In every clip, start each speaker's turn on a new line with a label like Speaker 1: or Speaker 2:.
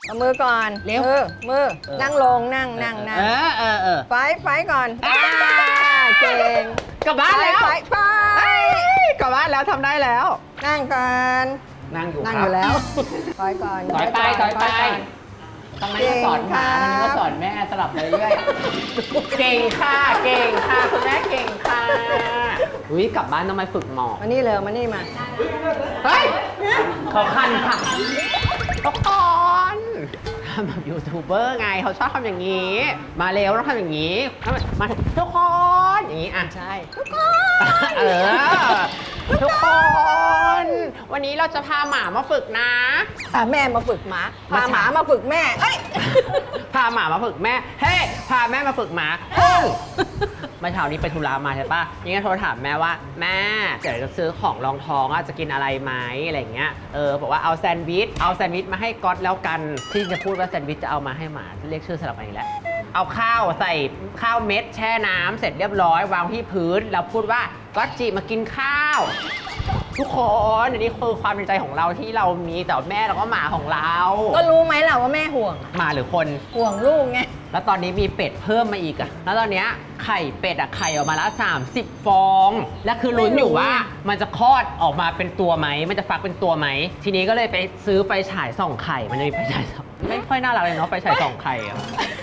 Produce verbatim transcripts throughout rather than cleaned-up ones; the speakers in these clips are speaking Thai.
Speaker 1: เอามือก่อน
Speaker 2: เร็ว
Speaker 1: มือมือนั่งลงนั่งนั่งนั่ง
Speaker 2: เออเออเออ
Speaker 1: ไฟไฟก่อนอ่าเก่ง
Speaker 2: กลับบ้านแล้ว
Speaker 1: ไฟไฟ
Speaker 2: กลับบ้านแล้วทำได้แล้ว
Speaker 1: นั่งก่อน
Speaker 2: นั่งอยู่
Speaker 1: นั่ง
Speaker 2: ค
Speaker 1: อ
Speaker 2: รับ
Speaker 1: ยู่แล้วถอยก่อน
Speaker 2: ถอยไปถอยไป
Speaker 1: ก่น
Speaker 2: ตรงนั้นก็สอนหมาทางนี้ก็สอนแม่สลับไปเรื่อยเก่งค่ะ เก่งค่ะคุณแม่เก่งค่ะอุ้ยกลับบ้านต้องไปฝึกหมอบ
Speaker 1: มานี่เลยมานี่มา
Speaker 2: เฮ้ยเขาคันค่ะทุกคนทำแบบยูทูบเบอร์ไงเขาชอบทำอย่างนี้ มาเร็วต้องทำอย่างนี้ มาทุกคนอย่างนี้อ่ะ
Speaker 1: ใช่ทุกค
Speaker 2: เออ ทุกคน วันนี้เราจะพาหมามาฝึกนะ
Speaker 1: พาแม่มาฝึกหมาพา
Speaker 2: มา
Speaker 1: หมามาฝึกแม่เอ้ย
Speaker 2: พาหมามาฝึกแม่ เฮ้ย พาแม่มาฝึกหมาเฮ้ยเมื่อเช้านี้ไปธุระมาใช่ปะยังไงโทรถามแม่ว่าแม่เดี๋ยวจะซื้อของรองท้องอ่ะจะกินอะไรไหมอะไรอย่างเงี้ย เออบอกว่าเอาแซนด์วิช เอาแซนด์วิชมาให้ก๊อตแล้วกัน ที่จะพูดว่าแซนด์วิชจะเอามาให้หมาเรียกชื่อสลับกันอีกแล้ว เอาข้าวใส่ข้าวเม็ดแช่น้ำเสร็จเรียบร้อยวางที่พื้นแล้วพูดว่าก๊อตจิมากินข้าว ทุกคนอันนี้คือความในใจของเราที่เรามีแต่แม่แล้วก็หมาของเรา
Speaker 1: ก็รู้ไหมล่ะว่าแม่ห่วง
Speaker 2: หมาหรือคน
Speaker 1: ห่วงลูกไง
Speaker 2: แล้วตอนนี้มีเป็ดเพิ่มมาอีกอะแล้วตอนเนี้ยไข่เป็ดอะไข่ออกมาละสามสิบฟอง และคือลุ้นอยู่ว่ามันจะคลอดออกมาเป็นตัวไหม มันจะฟักเป็นตัวไหม ทีนี้ก็เลยไปซื้อไฟฉายส่องไข่ มันจะมีไฟฉายส่องไม่ค่อยน่ารักเลยเนาะไฟฉายส่องไข่อะ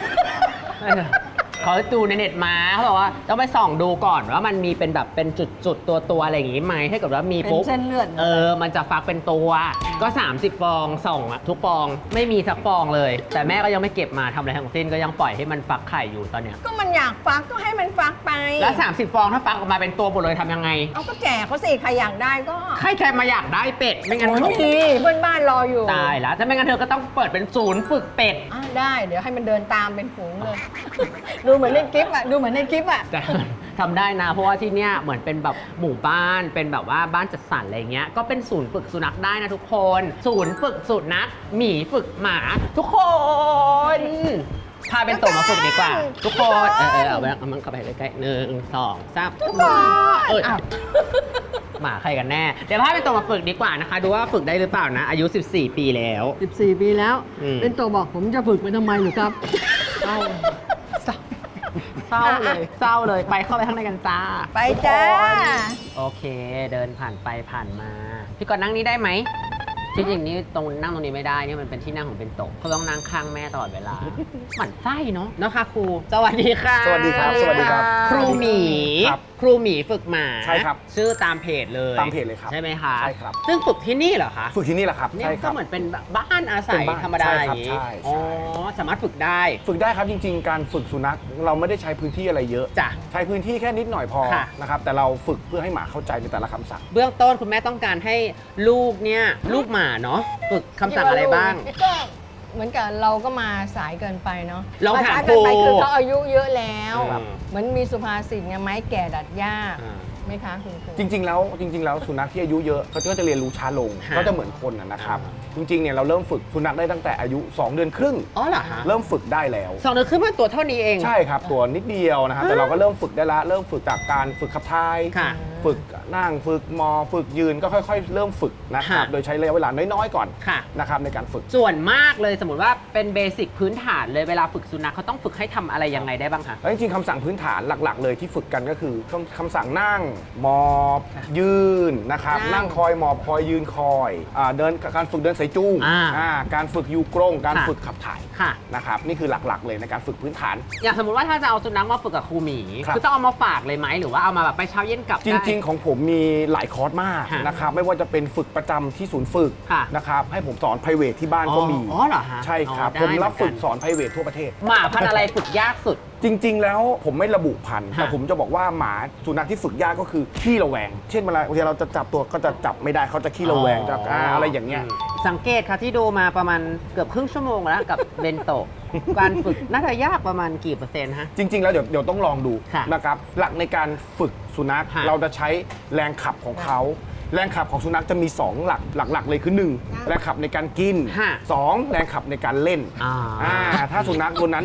Speaker 2: เขาดูในเน็ตมาเขาบอกว่าต้องไปส่องดูก่อนว่ามันมีเป็นแบบเป็นจุดๆตัวตัวๆอะไรอย่างงี้ไหมถ้าเกิดว่ามี
Speaker 1: เป็น
Speaker 2: ปุ๊บ
Speaker 1: เส้นเลือด
Speaker 2: เออมันจะฟักเป็นตัวก็สามสิบฟองส่องอะทุกฟองไม่มีสักฟองเลย แต่แม่ก็ยังไม่เก็บมาทำอะไรทั้งสิ้นก็ยังปล่อยให้มันฟักไข่อยู่ตอนเนี้ย
Speaker 1: ก็มันอยากฟักก็ให้มันฟักไป
Speaker 2: แล้วสามสิบฟองถ้าฟักออกมาเป็นตัวหมดเลยทำยังไง
Speaker 1: เอาก็แจกเขาสิใครอยากได้ก็
Speaker 2: ใครใครมาอยากได้เป็ดไม่งั้น
Speaker 1: โอ้ย
Speaker 2: เขา
Speaker 1: ไม่ดีเพื่อนบ้านรออยู่
Speaker 2: ตายแล้วถ้าไม่งั้นเธอก็ต้องเปิดเป็นศูนย์ฝึกเป็ด
Speaker 1: อ่ะได้เดี๋ยวให้มันเดินตามเป็นฝูงเลย ดูเหมือนในคลิปอ่ะดูเหมือนในคลิปอ่ะ
Speaker 2: แต่ ทำได้นะเพราะว่าที่เนี้ยเหมือนเป็นแบบหมู่บ้านเป็นแบบว่าบ้านจัดสรรอะไรเงี้ยก็เป็นศูนย์ฝึกสุนัขได้นะทุกคน ศูนย์ฝึกสุนัขหมีฝึกหมา ทุกคนพาเป็นตัวมาฝึกดีกว่า ทุกคนเออเออเอาไปเอามันเข้าไปใกล้ๆหนึ่งสองสามทุกคนเออ
Speaker 1: อ้าว
Speaker 2: หมาใครกันแน่เดี๋ยวพาเป็นตัวมาฝึกดีกว่านะคะ ดูว่าฝึกได้หรือเปล่านะ อายุสิบสี่ปีแล้ว
Speaker 1: สิบสี่ปีแล้ว
Speaker 2: อืม
Speaker 1: เป็นตัวบอกผมจะฝึกไปทำไมหรือครับเอ้า
Speaker 2: เศร้าเลยเศร้าเลยไปเข้าไปข้างในกันจ้า
Speaker 1: ไปจ้า
Speaker 2: โอเค เดินผ่านไปผ่านมา พี่กอนนั่งนี้ได้ไหมจริงๆนี่ตรงนั่งตรงนี้ไม่ได้นี่มันเป็นที่นั่งของเป็นโต๊ะเขาต้องนั่งข้างแม่ตลอดเวลา หมั่นไส้เนาะเนาะค่ะครูสวัสดีค่ะ
Speaker 3: สวัสดีครับสวัสดีครับ
Speaker 2: ครูหมี
Speaker 3: ครับ
Speaker 2: ครูหมีฝึกหมา
Speaker 3: ใช่ครับ
Speaker 2: ชื่อตามเพจเลย
Speaker 3: ตามเพจเลยครับ
Speaker 2: ใช่ไหมคะ
Speaker 3: ใช่ครับ
Speaker 2: ซึ่งฝึกที่นี่เหรอคะ
Speaker 3: ฝึกที่นี่แหละครับ
Speaker 2: เนี่ย
Speaker 3: ใช่ค
Speaker 2: ก็
Speaker 3: รับ
Speaker 2: เหมือนเป็นบ้านอาศัย
Speaker 3: เป็นบ้าน
Speaker 2: ธรรมดา
Speaker 3: ใช่
Speaker 2: อ
Speaker 3: ครับ
Speaker 2: ย่างนี้
Speaker 3: ใช่ใช่
Speaker 2: อ๋อสามารถฝึกได้
Speaker 3: ฝึกได้ครับจริง ๆ การฝึกสุนัขเราไม่ได้ใช้พื้นที่อะไรเยอะ
Speaker 2: จ้ะ
Speaker 3: ใช้พื้นที่แค่นิดหน่อยพอ
Speaker 2: ค่ะ
Speaker 3: นะครับแต่เราฝึกเพื่อให้หมาเข้าใจในแต่ละคำสั่ง
Speaker 2: เบื้องต้นคุณแม่ต้องการให้ลูกเนี่ยลูกหมาเนาะฝึกคำสั่งอะไรบ้าง
Speaker 1: ก็เหมือนกับเราก็มาสายเกินไปเนาะ
Speaker 2: ลองถาม
Speaker 1: สายเกินไป
Speaker 2: ครู
Speaker 1: คือเขาอายุเยอะแล้ว
Speaker 2: ครับ
Speaker 1: เหมือนมีสุภาษิตไงไม้แก่ดัดยาก
Speaker 2: อ่า
Speaker 1: ไหมคะคุณครู
Speaker 3: จริง ๆ แล้วจริง ๆ แล้วสุนัขที่อายุเยอะเขาก็จะเรียนรู้ช้าลง
Speaker 2: ฮะ
Speaker 3: ก็จะเหมือนคนนะนะครับ
Speaker 2: อ่
Speaker 3: จริงๆเนี่ยเราเริ่มฝึกสุนัขได้ตั้งแต่อายุ สอง เดือนครึ่ง
Speaker 2: อ๋อเหรอฮะ
Speaker 3: เริ่มฝึกได้แล้ว
Speaker 2: สองเดือนขึ้นมาตัวเท่านี้เอง
Speaker 3: ใช่ครับตัวนิดเดียวนะครับแต่เราก็เริ่มฝึกได้ละเริ่มฝึกจากการฝึกขับถ่าย
Speaker 2: ค่ะ
Speaker 3: ฝึกนั่งฝึกมอฝึกยืนก็ค่อย ๆ เริ่มฝึกนะครับ
Speaker 2: ค่ะ
Speaker 3: โดยใช้ระยะเวลาน้อยๆก่อน
Speaker 2: ค่ะ
Speaker 3: นะครับในการฝึก
Speaker 2: ส่วนมากเลยสมมติว่าเป็นเบสิกพื้นฐานเลยเวลาฝึกสุนัขเขาต้องฝึกให้ทำอะไรยังไงได้บ้างคะ
Speaker 3: แล้วจริงๆคำสั่งพื้นฐานหลักๆ เลยที่ฝึกกันก็คือคำคำสั่งนั่งหมอบ ยืนนะครับ
Speaker 1: นั่ง
Speaker 3: นั่งคอยหมอบคอยยืนคอยอาเดินการฝึกเดินสายจูง
Speaker 2: อ่า
Speaker 3: อ่าการฝึกยูกรงการ
Speaker 2: ค่ะ
Speaker 3: ฝึกขับถ่าย
Speaker 2: ค่ะ
Speaker 3: นะครับนี่คือหลักๆเลยในการฝึกพื้นฐาน
Speaker 2: อย่างสมมติว่าถ้าจะเอาสุนัขมาฝึกกับครูหมี
Speaker 3: ครับ
Speaker 2: คือต้องเอามาฝากเลยไหมหรือว่าเอามาแบบไปเช้าเย็นกลับ
Speaker 3: จ
Speaker 2: ได้
Speaker 3: ริง ๆ ของผมมีหลายคอร์สมาก
Speaker 2: ฮะ
Speaker 3: นะครับไม่ว่าจะเป็นฝึกประจำที่ศูนย์ฝึก
Speaker 2: ค่ะ
Speaker 3: นะครับให้ผมสอน private ที่บ้านก็มี
Speaker 2: อ๋อเหรอฮะ
Speaker 3: ใช่ครับ
Speaker 2: อ๋อได้
Speaker 3: ผมรับฝึก
Speaker 2: เหมือนกัน
Speaker 3: สอน private ทั่วประเทศ
Speaker 2: หมาพันธุ์อะไรฝึกยากสุด
Speaker 3: จริง ๆ แล้วผมไม่ระบุพันธุ์
Speaker 2: ฮะ
Speaker 3: แต่ผมจะบอกว่าหมาสุนัขที่ฝึกยากก็คือขี้ระแวง เช่นเวลาเวลาเราจะจับตัวก็จะจับไม่ได้เขาจะขี้ระแวงจะอ่าอะไรอย่างเงี้ย
Speaker 2: สังเกตค่ะที่ดูมาประมาณเกือบครึ่งชั่วโมงแล้วกับเบนโตะ การฝึกน่าจะยากประมาณกี่เปอร์เซ็นต์ฮะ
Speaker 3: จริง ๆ แล้วเดี๋ยวเดี๋ยวต้องลองดู
Speaker 2: ค่ะ
Speaker 3: นะครับหลักในการฝึกสุนัข
Speaker 2: ฮะ
Speaker 3: เราจะใช้แรงขับของเขา แรงขับของสุนัขจะมี สอง หลักหลัก ๆ เลยคือ หนึ่ง แรงขับในการกิน
Speaker 2: ฮะ
Speaker 3: สอง แรงขับในการเล่น
Speaker 2: อ่า
Speaker 3: อ่าถ้าสุนัขตัวนั้นเนี่ย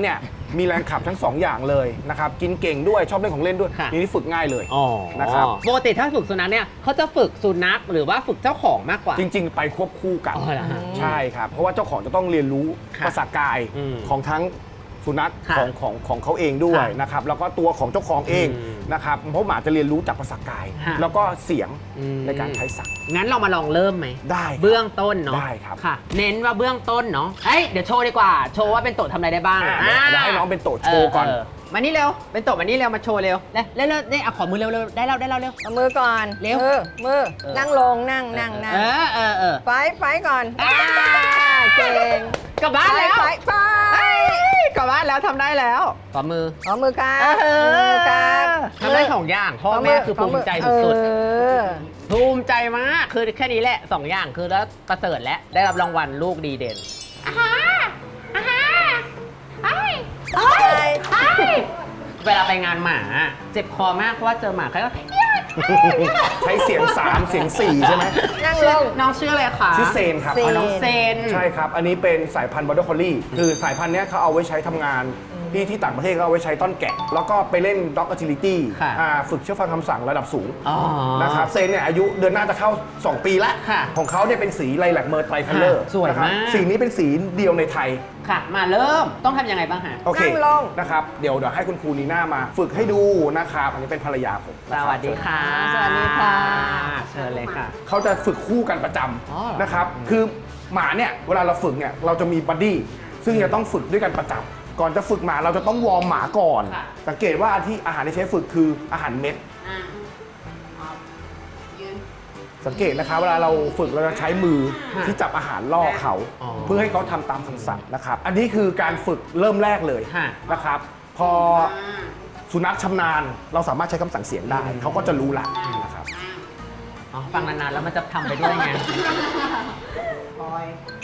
Speaker 3: มีแรงขับทั้งสองอย่างเลยนะครับกินเก่งด้วยชอบเล่นของเล่นด้วย
Speaker 2: ค่ะ
Speaker 3: นี่ฝึกง่ายเลย
Speaker 2: อ๋อ
Speaker 3: นะครับ
Speaker 2: ปกติถ้าฝึกสุนัขเนี่ยเขาจะฝึกสุนัขหรือว่าฝึกเจ้าของมากกว่า
Speaker 3: จริง ๆ ไปควบคู่กัน
Speaker 2: อ๋อเหรอฮะ
Speaker 3: ใช่ครับ เพราะว่าเจ้าของจะต้องเรียนรู้
Speaker 2: ค่ะ
Speaker 3: ภาษากาย
Speaker 2: อืม
Speaker 3: ของทั้งสุนัข
Speaker 2: ค่ะ
Speaker 3: ของของของเขาเองด้วย
Speaker 2: ค่ะ
Speaker 3: นะครับแล้วก็ตัวของเจ้าของเอง
Speaker 2: อืม
Speaker 3: นะครับเพราะหมาจะเรียนรู้จากภาษากาย
Speaker 2: ค่ะ
Speaker 3: แล้วก็เสียง
Speaker 2: อืม
Speaker 3: ในการใช้สั่ง
Speaker 2: งั้นเรามาลองเริ่มไหม
Speaker 3: ได้ครับ
Speaker 2: เบื้องต้นเนาะ
Speaker 3: ได้ครับ
Speaker 2: ค่ะ เน้นว่าเบื้องต้นเนาะเอ้ยเดี๋ยวโชว์ดีกว่า โชว์ว่าเป็นโตะทำอะไรได้บ้าง
Speaker 3: อ่ะเดี๋ยวเดี๋ยวให้น้องเป็นโตะโชว์ก่อน
Speaker 2: เมานี่เร็ว เป็นโตะมานี่เร็ว มาโชว์เร็วเร็วเร็วเร็วนี่เอาขอมือเร็วเร็วได้แล้วได้แล้วเร็ว
Speaker 1: เอามือก่อน
Speaker 2: เร็ว
Speaker 1: มือมือ
Speaker 2: เออ
Speaker 1: นั่งลงนั่งนั่งนั่ง
Speaker 2: เออเออเออ
Speaker 1: ไฟไฟก่อน
Speaker 2: อ่า
Speaker 1: เก่ง
Speaker 2: กลับบ้านแล้ว
Speaker 1: ไฟไฟ
Speaker 2: เอ้ยกลับบ้านแล้วทำได้แล้วต่อมือ
Speaker 1: ขอมือครับ
Speaker 2: เอ
Speaker 1: มือครับ
Speaker 2: ทำได้สองอย่างพ่อแม่คือภูมิใจสุด
Speaker 1: เออ
Speaker 2: ๆภูมิใจมากคือแค่นี้แหละสองอย่างคือแล้วประเสริฐแล้วได้รับรางวัลลูกดีเด่นอาฮาอาฮาไอ้ไอ้ไอ้เวลาไปงานหมาเจ็บคอมากเพราะว่าเจอหมาใครก็
Speaker 3: ใช้เสียงสามเสียงสี่ใช่ไหม
Speaker 1: นั่งลง
Speaker 2: น้องชื่ออะไรคะ
Speaker 3: ชื่อเซนครับ
Speaker 1: เซ
Speaker 2: อ๋อน้องเซน
Speaker 3: ใช่ครับ อันนี้เป็นสายพันธุ์บอร์เดอร์คอลลี่คือสายพันธุ์เนี้ยเขาเอาไว้ใช้ทำงานที่ที่ต่างประเทศก็เอาไว้ใช้ต้อนแกะ แล้วก็ไปเล่นด็อก agility
Speaker 2: ค่ะ
Speaker 3: อ่าฝึกเชื่อฟังคำสั่งระดับสูง
Speaker 2: อ๋อ
Speaker 3: นะครับเซนเนี่ยอายุเดือนหน้าจะเข้า สอง ปีแล้ว
Speaker 2: ค่ะ
Speaker 3: ของเขาเนี่ยเป็นสีไลแลกเมอร์ไตรคัลเลอร์
Speaker 2: ค่ะสวยมาก
Speaker 3: สีนี้เป็นสีเดียวในไทย
Speaker 2: ค่ะ มาเริ่มต้องทำยังไงบ้างฮะ
Speaker 3: โอเค
Speaker 1: นั่งลง
Speaker 3: นะครับเดี๋ยวเดี๋ยวให้คุณครูนีน่ามาฝึกให้ดูนะครับ อันนี้เป็นภรรยาผม
Speaker 2: ส
Speaker 3: นะครับ
Speaker 2: วัสดีค่ะ
Speaker 1: สวัสดีค่ะ
Speaker 2: เชิญเลยค่ะ
Speaker 3: เขาจะฝึกคู่กันประจ
Speaker 2: อ๋อเหรอ
Speaker 3: ำนะครับ คือหมาเนี่ยเวลาเราฝึกเนี่ยเราจะมีบัดดี้ซึ่งจะต้องฝึกด้วยกันประจำก่อนจะฝึกหมาเราจะต้องวอร์มหมาก่อน
Speaker 2: ค่ะ
Speaker 3: สังเกตว่าที่อาหารที่ใช้ฝึกคืออาหารเม็ด
Speaker 2: อ่าอ๋อยืน
Speaker 3: สังเกตนะคะเวลาเราฝึกเราจะใช้มือ
Speaker 2: ค่ะ
Speaker 3: ที่จับอาหารล่อเขา
Speaker 2: อ๋อ
Speaker 3: เพื่อให้เขาทำตามคำสั่งนะครับ อันนี้คือการฝึกเริ่มแรกเลย
Speaker 2: ค่ะ
Speaker 3: นะครับ พอสุนัขชำนาญเราสามารถใช้คำสั่งเสียงได้ เขาก็จะรู้ละนะครับ
Speaker 2: อ๋อฟังนานๆแล้วมันจะทำไปด้วยไง
Speaker 4: คอย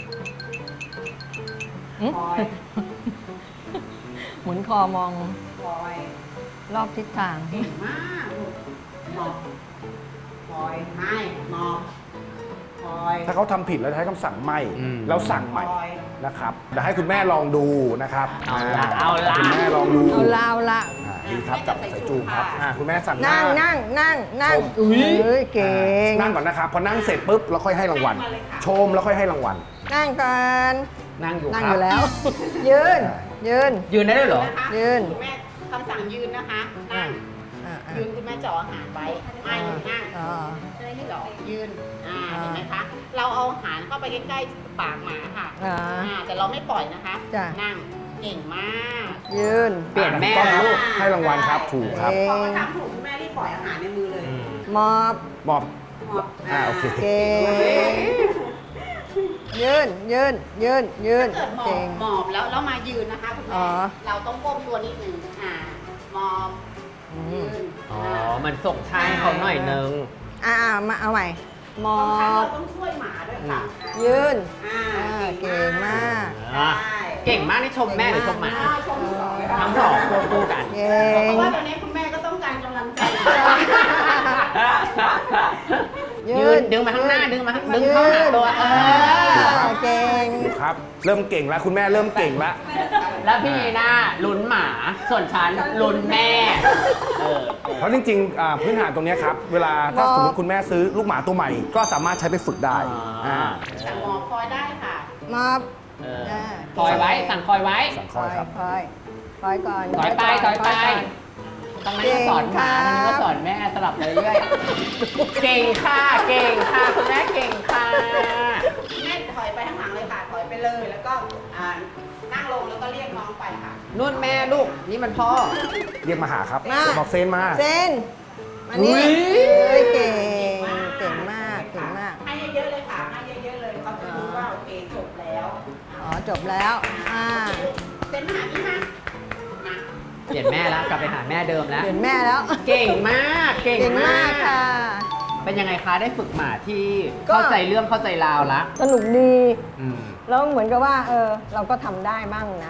Speaker 1: หึ
Speaker 4: คอย
Speaker 1: หมุนคอมอง
Speaker 4: คอย
Speaker 1: รอบทิศทาง
Speaker 4: เก่งมากลูกหมอบคอยให้หมอบคอย
Speaker 3: ถ้าเขาทำผิดเราจะใช้คำสั่งไม่
Speaker 2: อืม
Speaker 3: แล้วสั่งใหม่
Speaker 4: คอย
Speaker 3: นะครับเดี๋ยวให้คุณแม่ลองดูนะครับ
Speaker 2: เอาละเอาละ
Speaker 3: คุณแม่ลองดู
Speaker 1: เอาละเอาละ
Speaker 3: อ่าดีครับจับใส่จูงครับอ่าคุณแม่สั่งห
Speaker 1: นั่งนั่งนั่งนั่ง
Speaker 3: ชม
Speaker 1: เอ้ยเก่ง
Speaker 3: นั่งก่อนนะครับ พอนั่งเสร็จปุ๊บเราค่อยให้รางวัล ชมแล้วค่อยให้รางวัล
Speaker 1: นั่งก่อน
Speaker 2: นั่งอยู่
Speaker 1: นั่ง
Speaker 2: ค
Speaker 1: อ
Speaker 2: รับ
Speaker 1: ยู่แล้ว ยืน ยืน
Speaker 2: ยืนได้ด้วยเหรอ
Speaker 4: นะคะ
Speaker 1: ยืน
Speaker 4: คุณแม่คำสั่งยืนนะคะนั่ง
Speaker 1: อ่าอ่า
Speaker 4: ยืนคุณแม่จ่ออาหารไว้ไม่นั่ง
Speaker 1: อ่า
Speaker 4: จ่อยืนอ่าเห็นไหมคะเราเอาอาหารเข้าไปใกล้ๆปากหมาค่ะ
Speaker 1: อ่า
Speaker 4: อ่าแต่เราไม่ปล่อยนะคะ
Speaker 1: จ้ะ
Speaker 4: นั่งเก่งมาก
Speaker 1: ยืน
Speaker 2: เปลี่ยนแม่
Speaker 3: ต้องครับ
Speaker 2: ลูก
Speaker 3: ให้รางวัลครับถูกครับ
Speaker 1: เก่
Speaker 4: พอง เขาทำถูกคุณแม่รีบปล่อยอาหารในมือเลย
Speaker 1: มอบ
Speaker 3: มอบ
Speaker 4: หมอบ
Speaker 3: อ่าโอเค
Speaker 1: เก่ง ยืน ยืน ยืน ยืน
Speaker 4: ถ้าเกิดหมอ
Speaker 1: เก่
Speaker 4: บ
Speaker 1: ง
Speaker 4: หมอบแล้วแล้วมายืนนะคะคุณ
Speaker 1: อ๋
Speaker 4: แม่
Speaker 1: อ
Speaker 4: เราต้องก้มตัวนิดนึงอ่าหมอบ
Speaker 1: อื
Speaker 4: ยื
Speaker 1: ม
Speaker 4: น
Speaker 2: อ๋อ มันส่งช่ายเขาหน่อยนึง
Speaker 1: อ่าๆมาเอาใหม่ มอ
Speaker 4: างครั้งเรา
Speaker 1: บ
Speaker 4: ต้องช่วยหมาด้วยค่ะ
Speaker 1: ยืน
Speaker 4: อ่า
Speaker 1: อ่าเก่งมาก
Speaker 2: อ่ะเก่งมากนี่ชมแม่หรือชมหมา
Speaker 4: อ่าชมสองเลยค่ะ
Speaker 2: ทั้งสองควบคู่กัน
Speaker 1: เก่
Speaker 4: เพ
Speaker 1: ง
Speaker 4: ราะว่าตอนนี้คุณแม่ก็ต้องการกำลังใจ
Speaker 2: ยืนดึงมาข้างหน้าดึงมาข้างดึงเข้าหาตัวเออ
Speaker 1: เก่ง
Speaker 3: ถูกครับ เริ่มเก่งแล้วคุณแม่เริ่มเก่งแล้ว
Speaker 2: แล้วพี่นีน่าลุ้นหมา ส่วนฉันลุ้นแม่ เออ
Speaker 3: เพราะจริงๆอ่าพื้นฐานตรงเนี้ยครับ เวลาถ้าสมมติคุณแม่ซื้อลูกหมาตัวใหม่ ก็สามารถใช้ไปฝึกได้
Speaker 2: อ่า
Speaker 3: อ่า
Speaker 4: สั่งหมอบคอยได้ค่ะ
Speaker 1: มอบ
Speaker 2: เออ
Speaker 1: อ่า
Speaker 2: คอยไว้ สั่งคอยไว้
Speaker 3: สั่ง
Speaker 1: ค
Speaker 3: คอ
Speaker 1: อย ย
Speaker 3: ครับ
Speaker 1: คอยคอยก่อน
Speaker 2: ถอยไปถอยไป
Speaker 1: ก่น
Speaker 2: ตรงนั้นก็สอนหมาตรงนี้ก็สอนแม่สลับไปเรื่อยๆเก่งค่ะ เก่งค่ะ คุณแม่เก่งค่ะ
Speaker 4: แม่ถอยไปข้างหลังเลยค่ะ ถอยไปเลย แล้วก็อ่านั่งลงแล้วก็เรียกน้องไปค่ะ
Speaker 2: นุ่นแม่ลูก นี่มันพ่อ
Speaker 3: เรียกมาหาครับ
Speaker 1: มา
Speaker 3: บอกเซนมา
Speaker 1: เซนมานี่
Speaker 2: อุ๊ย
Speaker 1: เฮ้ยเก่ง เก่งมาก เก่งมาก
Speaker 4: ให้เยอะๆเลยค่ะ ให้เยอะๆเลย เขาจะรู้ว่าโอเคจบแล้ว
Speaker 1: อ๋อ จบแล้ว อ่า
Speaker 4: เซ็นหาพี่มามา
Speaker 2: เปลี่ยนแม่แล้ว กลับไปหาแม่เดิมแล้ว
Speaker 1: เปลี่ยนแม่แล้ว
Speaker 2: เก่งมาก เก่ง
Speaker 1: เก่ง
Speaker 2: มาม
Speaker 1: าก
Speaker 2: ก
Speaker 1: ค่ะ
Speaker 2: เป็นยังไงคะ ได้ฝึกหมาที่
Speaker 1: ก็
Speaker 2: เข้าใจเรื่องเข้าใจราวละ
Speaker 1: สนุกดี
Speaker 2: อืม
Speaker 1: แล้วเหมือนกับว่า เออ เราก็ทำได้บ้างนะ
Speaker 2: อ่า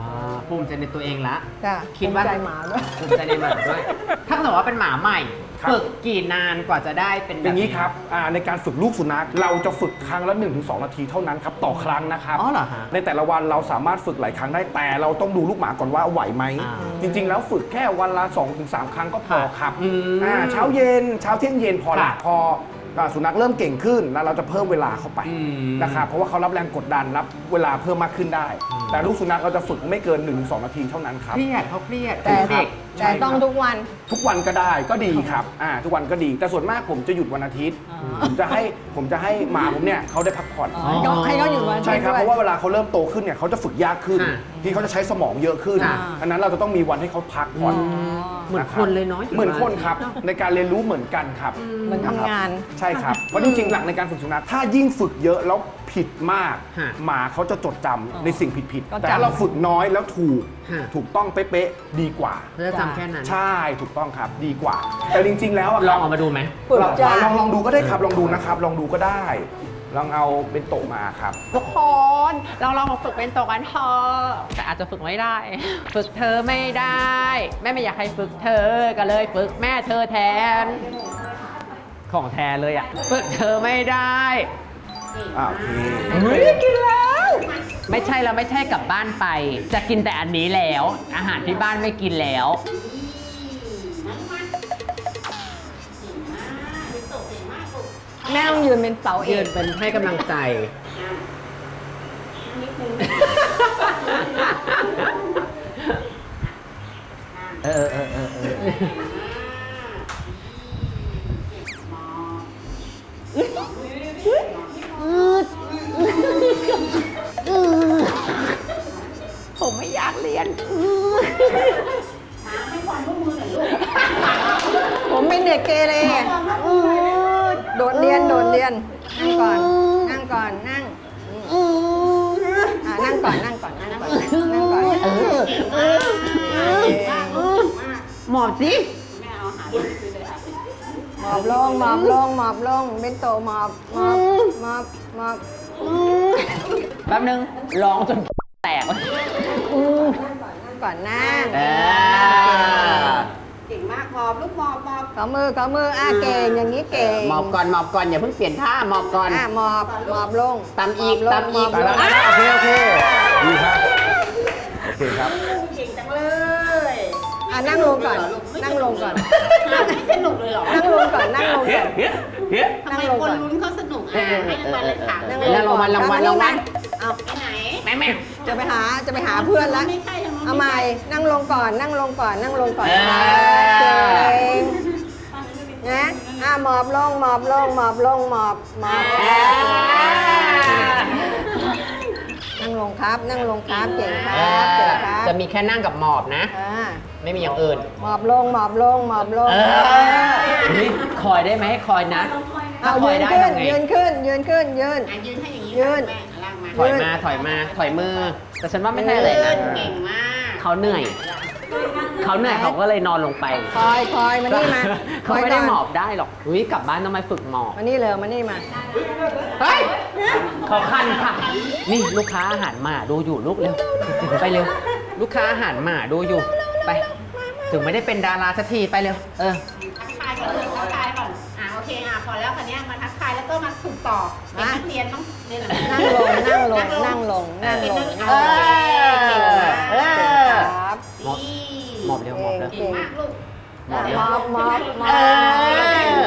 Speaker 2: ภูมิใจในตัวเองละ
Speaker 1: จ้ะ
Speaker 2: คิดว่า
Speaker 1: ภูมิใจหมาด้วย
Speaker 2: ภูมิใจในหมาด้วย ถ้าสมมติว่าเป็นหมาใหม่
Speaker 3: ครับ
Speaker 2: ฝึกกี่นานกว่าจะได้เป็น
Speaker 3: อย่างนี้ครับอ่าในการฝึกลูกสุนัขเราจะฝึกครั้งละ หนึ่งถึงสอง นาทีเท่านั้นครับต่อครั้งนะครับ
Speaker 2: อ๋อเหรอฮะ
Speaker 3: ในแต่ละวันเราสามารถฝึกหลายครั้งได้แต่เราต้องดูลูกหมาก่อนว่าไหวไหม
Speaker 2: อ่า
Speaker 3: จริง ๆ แล้วฝึกแค่วันละ สองถึงสาม ครั้งก็พอครับ
Speaker 2: อืม
Speaker 3: อ่าเช้าเย็นเช้าเที่ยงเย็นพอละ
Speaker 2: ค่ะ
Speaker 3: พออ่าสุนัขเริ่มเก่งขึ้นแล้วเราจะเพิ่มเวลาเข้าไป
Speaker 2: อืม
Speaker 3: นะครับเพราะว่าเขารับแรงกดดันรับเวลาเพิ่มมากขึ้นได้ แต่ลูกสุนัขเราจะฝึกไม่เกิน หนึ่งถึงสอง นาทีเท่านั้นครับ
Speaker 2: เครียดเขาเครียด
Speaker 1: แต่
Speaker 2: เด็ก
Speaker 1: แต่ต้องทุกวัน
Speaker 3: ทุกวันก็ได้ก็ดีครับอ่าทุกวันก็ดี แต่ส่วนมากผมจะหยุดวันอาทิตย์ ผมจะให้ผมจะให้หมาผมเนี่ยเขาได้พักผ่อน
Speaker 1: ให้เขาให้เขาอยู่วัน
Speaker 3: ใช่ครับ
Speaker 1: ด้วย
Speaker 3: เพราะว่าเวลาเขาเริ่มโตขึ้นเนี่ยเขาจะฝึกยากขึ้น
Speaker 2: อ่า
Speaker 3: ที่เขาจะใช้สมองเยอะขึ้น
Speaker 2: อ่า
Speaker 3: อันนั้นเราจะต้องมีวันให้เขาพักผ่อน
Speaker 2: เหมือน
Speaker 3: นะ
Speaker 2: คนเลยเนาะ
Speaker 3: เหมือนคนครับในการเรียนรู้เหมือนกันครับ
Speaker 1: เหมือนทำงาน
Speaker 3: ใช่ครับเพราะจริงๆหลักในการฝึกสุนัขถ้ายิ่งฝึกเยอะแล้วผิดมาก
Speaker 2: ฮะ
Speaker 3: หมาเขาจะจดจำในสิ่งผิด
Speaker 1: ก็
Speaker 3: ๆ
Speaker 1: จำ
Speaker 3: แต่ถ้าเราฝึกน้อยแล้วถูก
Speaker 2: ฮะ
Speaker 3: ถูกต้องเป๊ะๆดีกว่า
Speaker 2: เขาจะจำแค่นั้น
Speaker 3: ใช่ถูกต้องครับดีกว่า แต่จริง ๆ แล้วอะ
Speaker 2: ล
Speaker 3: ค
Speaker 2: อ
Speaker 3: รั
Speaker 2: ง
Speaker 3: บ
Speaker 2: ออกมาดูไหม
Speaker 1: ฝึก
Speaker 3: ลอง
Speaker 1: จ้ะ
Speaker 3: ลองลองดูก็ได้ครับลองดูนะครับ ลองดูก็ได้ ลองเอาเป็นโตะมาครับ
Speaker 2: ทุกคนเราลองมาฝึกเป็นตัวกันเถอะแต่อาจจะฝึกไม่ได้ ฝึกเธอไม่ได้ แม่ไม่อยากให้ฝึกเธอก็เลยฝึกแม่เธอแทน ของแทนเลยอ่ะ ฝึกเธอไม่ได้
Speaker 3: อ่าโอเค
Speaker 2: เฮ้ยกินแล้ว ไม่ใช่แล้วไม่ใช่กลับบ้านไป จะกินแต่อันนี้แล้ว อาหารที่บ้านไม่กินแล้ว
Speaker 1: แม่ต้องยืนเป็นเสาเอ
Speaker 2: ยื
Speaker 1: ก
Speaker 2: นเป็นให้กำลังใจ เออเออเออเออ ผมไม่อยากเรียน
Speaker 1: ผมเป็นเด็กเกเรโดดเรียนโดดเรียน นั่งก่อน นั่งก่อน นั่งอ่านั่งก่อน นั่งก่อน นั่งก่อน นั่งก่อน
Speaker 2: หมอบสิ
Speaker 1: หมอบลง หมอบลง หมอบลง เป็นโตหมอบ หมอบ หมอบ หมอบ
Speaker 2: แป๊บนึง ร้องจนแตก
Speaker 1: นั่งก่อน นั่ง
Speaker 2: เออ
Speaker 4: เก่งมากหมอบลูกหมอบหมอบ
Speaker 1: ขอมือขอมืออ่ะเก่ง อย่างนี้เก่ง
Speaker 2: หมอบก่อนหมอบก่อน อย่าเพิ่งเปลี่ยนท่า หมอบก่อน
Speaker 1: อ่ะหมอบ หมอบลง
Speaker 2: ตามอีก
Speaker 1: หบลง
Speaker 2: ตามอีก
Speaker 1: หบลง
Speaker 3: ได้แล้วได้แล้วโอเคโอเคดีครับโอเคครับ
Speaker 4: เก่งจังเลย
Speaker 1: อ่ะนั่งลงก่อน นั่งลงก่อน
Speaker 4: ไม่สนุกเลยเหรอ
Speaker 1: นั่งลงก่อน นั่งลงก่อน
Speaker 4: ทำไมคนลุ้นเขาสนุกอ่ะให้รางวัลเลยค่ะ
Speaker 1: นั่ง
Speaker 2: เออรางวัลรางวัลรางวัล
Speaker 1: เอา
Speaker 4: ไปไหน
Speaker 2: แม่แม่
Speaker 1: จะไปหา จะไปหาเพื่อนแล้ว
Speaker 4: ไม่ใช่ทางนู้น
Speaker 1: เอาใหม่ นั่งลงก่อน นั่งลงก่อน นั่งลงก่อน
Speaker 2: เออ
Speaker 1: เก่งนะอ่ะหมอบลง หมอบลง หมอบลง หมอบ หมอบ นั่งลงครับ นั่งลงครับ เก่งครับ เก่งครับ
Speaker 2: จะมีแค่นั่งกับหมอบนะ
Speaker 1: อ่า
Speaker 2: ไม่มีอย่างอื่น
Speaker 1: หมอบลง หมอบลง หมอบลง
Speaker 2: เออนี่คอยได้ไหมให้คอยนะ ถ้า
Speaker 1: เอา
Speaker 2: คอ
Speaker 1: ยื
Speaker 2: ย
Speaker 1: น
Speaker 2: ได้
Speaker 1: ขึ้น
Speaker 2: ทำไง
Speaker 1: ยืนขึ้น ยืนขึ้น ยืน
Speaker 4: อ่ะยืนให้อย่างนี้
Speaker 1: ยืน
Speaker 4: แม่ล่างมา
Speaker 2: ถอยมา ถอยมา ถอยมือ แต่ฉันว่าไม่ใช่อะไรนะ
Speaker 4: เก่งมาก
Speaker 2: เขาเหนื่อย เขาเหนื่อยเขาก็เลยนอนลงไป
Speaker 1: คอยคอยมานี่มา
Speaker 2: เขาไม่ได้
Speaker 1: คยก่น
Speaker 2: หมอบได้หรอกอุ้ยกลับบ้านต้องมาฝึกหมอบ
Speaker 1: มานี่เลยมานี่มา
Speaker 2: เฮ้ยเขาคันค่ะ นี่ลูกค้าอาหารหมาดูอยู่ลูกเร็ว ไปเร็ว ลูกค้าอาหารหมาดูอยู่ ไป ถึงไม่ได้เป็นดาราสักทีไปเร็ว เออ
Speaker 4: ทักทายก่อนเลยทักทายก่อน อ่ะโอเคอ่ะพอแล้วคันนี้ยมาทักทายแล้วก็มาฝึกต่อเป็นนักเรียนต้องเรียนหนังสือ
Speaker 1: นั่งลง นั่งลง นั่งลง นั่งลง
Speaker 2: เออเออ
Speaker 1: ครับ
Speaker 2: หมอบ หมอบเร็วหมอบเร็ว
Speaker 4: เก่งมากลูก
Speaker 2: หมอบเร็ว
Speaker 1: มอบมอบมอ
Speaker 2: เอบ อ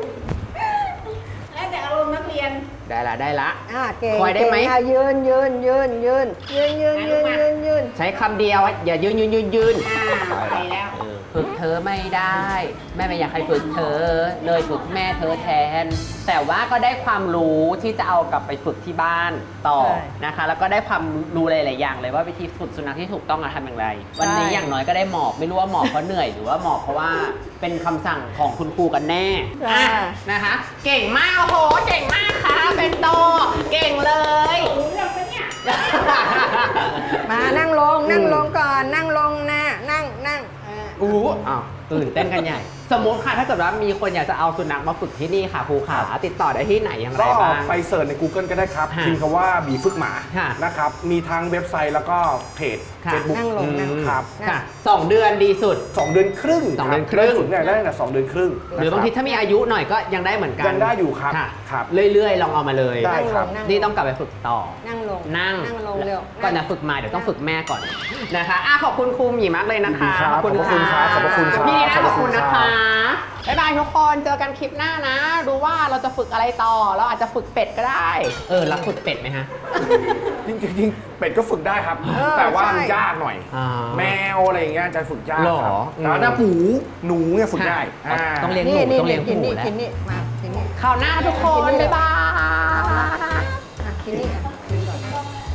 Speaker 4: แล้วแต่อารมณ์นักเรียน
Speaker 2: ได้ละได้ละ
Speaker 1: อ่าเก่ง
Speaker 2: คอยได้ไหม
Speaker 1: เก่งอ่ะยืนยืนยืนยืนยืนยืนยืนยืนยืน
Speaker 2: ใช้คำเดียว อย่ายืนยืนยืนยืน
Speaker 4: อ่าไปแล้ว
Speaker 2: ฝึกเธอไม่ได้ แม่ไม่อยากให้ฝึกเธอ เลยฝึกแม่เธอแทน แต่ว่าก็ได้ความรู้ที่จะเอากลับไปฝึกที่บ้านต่อนะคะ แล้วก็ได้ความรู้หลายๆอย่างเลยว่าวิธีฝึกสุนัขที่ถูกต้องอะทำอย่างไร วันนี้อย่างน้อยก็ได้หมอบไม่รู้ว่าหมอบเพราะเหนื่อยหรือว่าหมอบเพราะว่าเป็นคำสั่งของคุณครูกันแน่อ่ะนะคะ เก่งมากโอ้โหเก่งมากค่ะเป็นโตเก่งเลย
Speaker 1: มานั่งลง นั่งลงก่อน นั่งลงนะนั่งนั่งอ่า
Speaker 2: อู้อ้าวตื่นเต้นกันใหญ่สมมติค่ะถ้าเกิดว่ามีคนอยากจะเอาสุนัขมาฝึกที่นี่ค่ะครูขาติดต่อได้ที่ไหนอย่างไร
Speaker 3: ก็
Speaker 2: บ้าง
Speaker 3: ไปเสิร์ชใน Google ก็ได้ครับ
Speaker 2: ค่ะ
Speaker 3: พิมพ์คำว่าบีฝึกหมา
Speaker 2: ค่ะ
Speaker 3: นะครับ มีทั้งเว็บไซต์แล้วก็เพจ
Speaker 2: ค่ะ
Speaker 3: เฟซบุ๊ก
Speaker 1: นั่งลงนั่ง
Speaker 3: ครับ
Speaker 2: ค่ะสองเดือนดีสุด
Speaker 3: สองเดือนครึ่ง
Speaker 2: สองเดือนครึ่ง
Speaker 3: บฝึกเนี่ยได้ตั้งแต่สองเดือนครึ่ง
Speaker 2: หรือบางทีถ้ามีอายุหน่อยก็ยังได้เหมือนกัน
Speaker 3: ยังได้อยู่ครับ
Speaker 2: ค่ะ
Speaker 3: ครับ
Speaker 2: เรื่อยๆ ลองเอามาเลย
Speaker 3: ได้ครับ
Speaker 1: นั่งลง
Speaker 2: นี่ต้องกลับไปฝึกต่อ
Speaker 1: นั่งลง
Speaker 2: นั่ง
Speaker 1: นั่งลงเร็ว
Speaker 2: ก่อนจะฝึกมาเดี๋ยวต้องฝึกแม่ก่อนนะคะอ่ะขอบคุณครูหมีมากเลยนะคะ
Speaker 3: ยินดีครับขอบพระคุณครับขอบพระคุณครับ
Speaker 2: พี่นะ
Speaker 3: ขอบ
Speaker 2: ข
Speaker 3: พ
Speaker 2: อบ
Speaker 3: ระคุ
Speaker 2: คุณ
Speaker 3: ณ
Speaker 2: นะ
Speaker 3: ครั
Speaker 2: คะ
Speaker 3: บ
Speaker 2: บ๊ายบายทุกคนเจอกันคลิปหน้านะ ดูว่าเราจะฝึกอะไรต่อ เราอาจจะฝึกเป็ดก็ได้ เออรักฝึกเป็ดไหมฮะ
Speaker 3: จริงๆจริงๆเป็ดก็ฝึกได้ครับ
Speaker 1: เออ
Speaker 3: แต่ว่า
Speaker 1: ใช่
Speaker 3: มันยากหน่อย
Speaker 2: อ่า
Speaker 3: แมวอะไรอย่างเงี้ยจะฝึกยาก
Speaker 2: หรอ
Speaker 3: ครับ
Speaker 2: อืม
Speaker 3: แต่ว่าถ้าหมูหนูเนี่ยฝึกได้
Speaker 2: ค่ะ
Speaker 3: อ่า
Speaker 2: ต้องเลี้ยง
Speaker 1: นี่
Speaker 2: หนู
Speaker 1: นี่
Speaker 2: ต้องเลี้ยง
Speaker 1: กิน
Speaker 2: หมู
Speaker 1: นี่
Speaker 2: แล้ว
Speaker 1: กินนี่มากินนี่
Speaker 2: ข่าวหน้าทุกคน บ๊ายบาย
Speaker 1: อ่ะกินนี่อ่ะกินก่อน